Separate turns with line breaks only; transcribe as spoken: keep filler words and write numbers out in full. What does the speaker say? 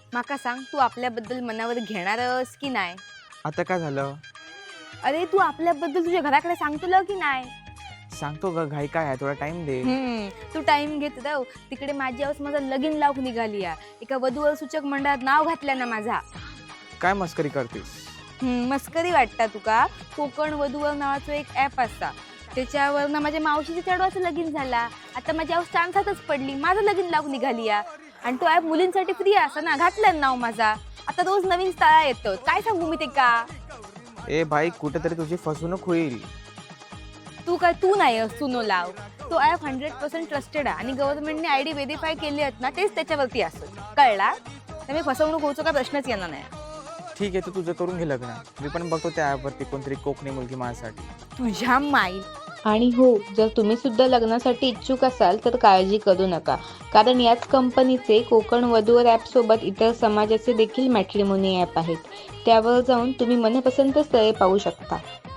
माका सांग, तू आपल्याबद्दल मनावर घेणारस की नाही?
आता काय झालं?
अरे तू आपल्याबद्दल तुझ्या घराकडे सांगतो की नाही?
सांगतो ग, घाई काय आहे, थोडा टाइम दे.
हम्म तू टाइम घेत राव. तिकडे माझी आऊस माझा लगीन लावून निघाली या. एका वधूवर सूचक मंडळात नाव घातलं ना माझा.
काय मस्करी करतेस?
हम्म मस्करी वाटता तुका? कोकण वधूवर नावाचं एक ॲप असता, त्याच्यावर ना माझ्या मावशीच्या चढवाचं लगीन झाला. आता माझी आऊस चान्सातच पडली, माझं लगीन लावून निघाली या. आणि तो ॲप मुलींसाठी फ्री असा ना, घातलं नाव माझा. आता रोज नवीन स्थळा येतं, काय सांगू मी ते का?
ए भाई, कुठेतरी तुझी फसवणूक होईल.
तू काय तू नाही सुनो लाव. तो ॲप हंड्रेड पर्सेंट ट्रस्टेड आहे आणि गव्हर्नमेंटने आय डी व्हेरीफाय केली आहेत ना, तेच त्याच्यावरती असत. कळला? त्यामुळे फसवणूक होतो का प्रश्नच येणार नाही.
ठीक आहे, तू तुझं करून घे लग्न. मी पण बघतो त्या ॲपवरती कोणतरी कोकणी मुलगी माझ्यासाठी.
तुझ्या माई.
आणि हो, जर तुम्ही सुद्धा लग्नासाठी इच्छुक असाल तर काळजी करू नका, कारण याच कंपनीचे कोकण वधूवर ॲपसोबत इतर समाजाचे देखील मॅट्रिमोनी ॲप आहेत. त्यावर जाऊन तुम्ही मनपसंत स्थळे पाहू शकता.